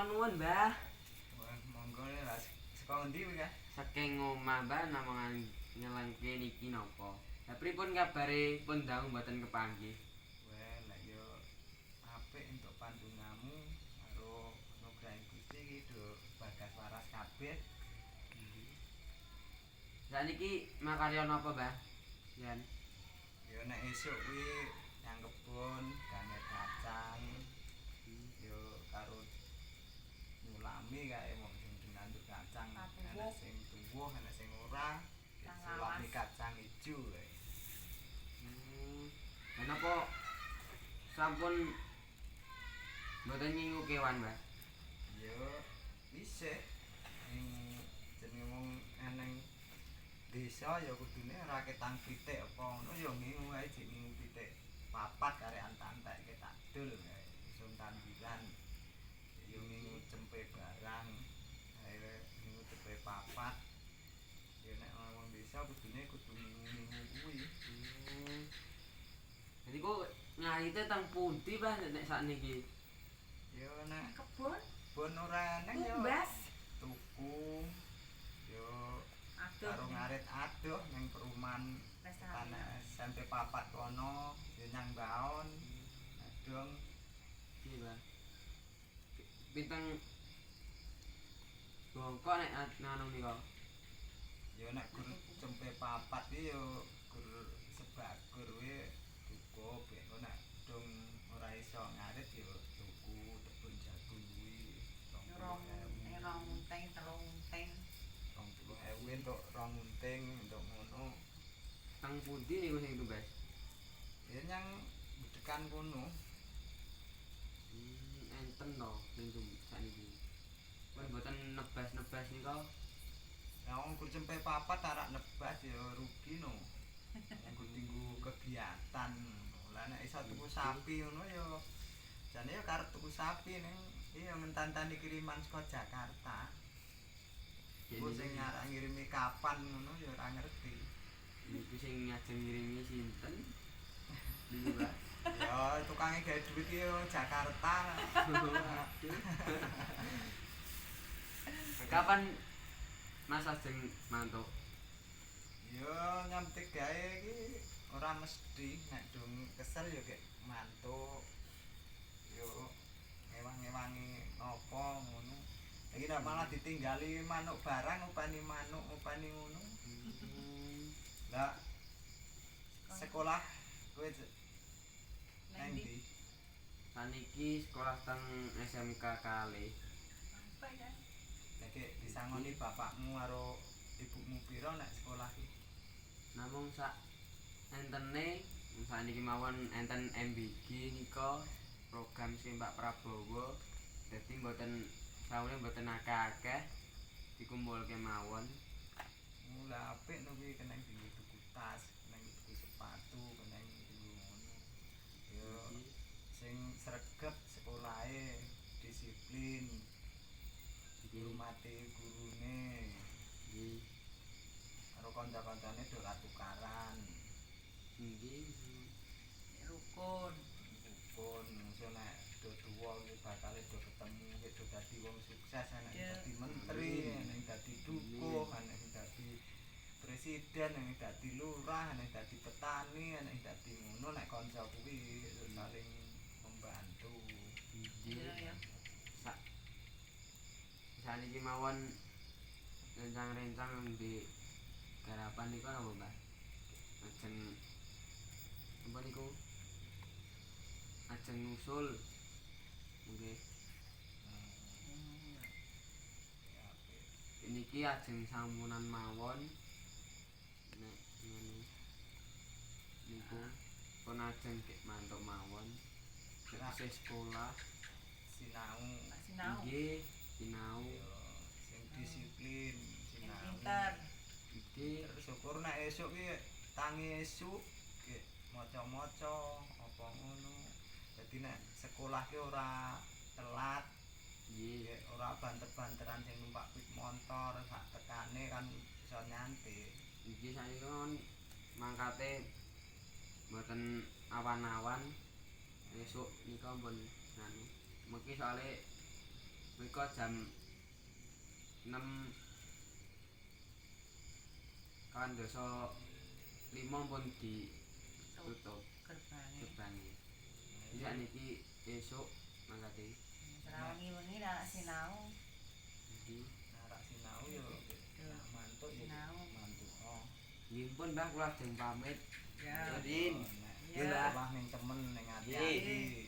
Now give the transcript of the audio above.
kula nuwun, Mbah. Wah, monggo lah saka endi kuwi, Kak? Saking omah, Mbah, namung ngelengke niki napa. Lah pripun kabare pun dangu mboten kepanggih? Wah, lah yo apik entuk pantungamu karo nugrahi Gusti iki do bagas waras kabeh. Saniki makarya napa, Mbah? Yen Yo nek esuk kuwi nang kebon ganger kacang. Yo karo nyulami kae wong sing nandur kacang. Ana sing tuwuh, ana sing ora. Sulami kacang ijo kae. Lah napa sampun mboten nyingu kewan, Mbah? Yo isih ning jenenge wong eneng desa ya kudune ora ketang pitik apa ngono ya ngingu ae jek ngingu pitik papat kare antak-antak ke tak dul kae isun tanduran ya ngingu cempe barang ae ngingu cempe papat ya nek wong desa kudune kudu ngingu kuwi. Jadi kok ngayite teng pundi, Mbah, nek sakniki? Ya nek Kebon bon ora eneng ya tumbas tuku yo karo aduh ngarit adoh ning perumahan tanah SMP papat kono yo nyang baon adong Iya, Mbah. Pinteng bongkok nek nganu nika. yo nek gur cempe papat iki yo gur sebagur kuwi cukup ya nek dong ora iso ngarit yo tuku tebon jagung kuwi rong 20.000 rong unteng telung unteng 20.000 entuk rong unting entuk ngono Teng pundi niku sing tumbas? ya nyang budekan kono. Enten to sing sakniki. Pun mboten nebas-nebas nika. Ya wong gur cempe papat arak nebas ya rugi no. Nggo tinggu kegiatan. Lah nek iso tuku sapi ngono ya jane ya karep tuku sapi ning iya ngentantani kiriman saka Jakarta. Ku sing nyarak ngirimi kapan ngono ya ora ngerti. Niku sing ngajeng ngirimi sinten? Niku, Mbah. Ya tukange gawe duit iki yo Jakarta. Kapan Mas ajeng mantuk? Yo nyampe gawe iki ora mesti nek dong kesel yo gek mantuk. Yo ngewang-ngewangi apa ngono. Iki nek malah ditinggali manuk barang upani manuk upani ngono. Lah sekolah kowe nang ndi? Saniki sekolah teng SMK kalih. apa ya Nek disangoni bapakmu karo ibumu pira nek sekolah iki? Namung sak entene saniki mawon enten MBG nika program sing Pak Prabowo. Dadi mboten saune mboten akeh-akeh dikumpulke mawon. Mula apik no kuwi kena tuku tas, kena tuku sepatu, kena tuku ngono. Yo sing sregep sekolahe disiplin dihormati gurune Nggih. karo kanca-kancane do tukaran Nggih. rukun rukun so nek do tuwa iki bakal do ketemu do dadi wong sukses nek dadi menteri nek dadi dukuh nek dadi presiden nek dadi lurah nek dadi petani nek dadi ngono nek kanca kuwi saling membantu. Nggih. Saniki mawon rencang-rencang di garapan niku napa, Mbah? Ajeng apa niku? Ajeng nusul. Nggih. Niki ajeng sampunan mawon. Nek ngene niku pun ajeng kek mantuk mawon. Isih sekolah. Sinau sinau Nggih, sinau. sing disiplin yang sinau pinter Nggih. syukur nek esuk ki tangi esuk ki maca-maca apa ngono dadi nek sekolah ki ora telat Nggih. ora banter-banteran sing numpak pit motor sak tekane kan iso nyantai. Nggih saiki kon mangkate mboten awan-awan. Esuk nika pun nganu. Mengki soalé Mengko jam 6 kan dosa 5 pun ditutup Gerbangnya. gerbangnya. Jadi niki esuk mangkate. Wengi-wengi nek sinau. Jadi Narak sinau yo mantuk yo Sinau. mantuk. Oh. nggih pun Mbah kula ajeng pamit. Ya. Yudin. Nek Ya. Mbah. Wah ning temen ning Nggih. ati-ati.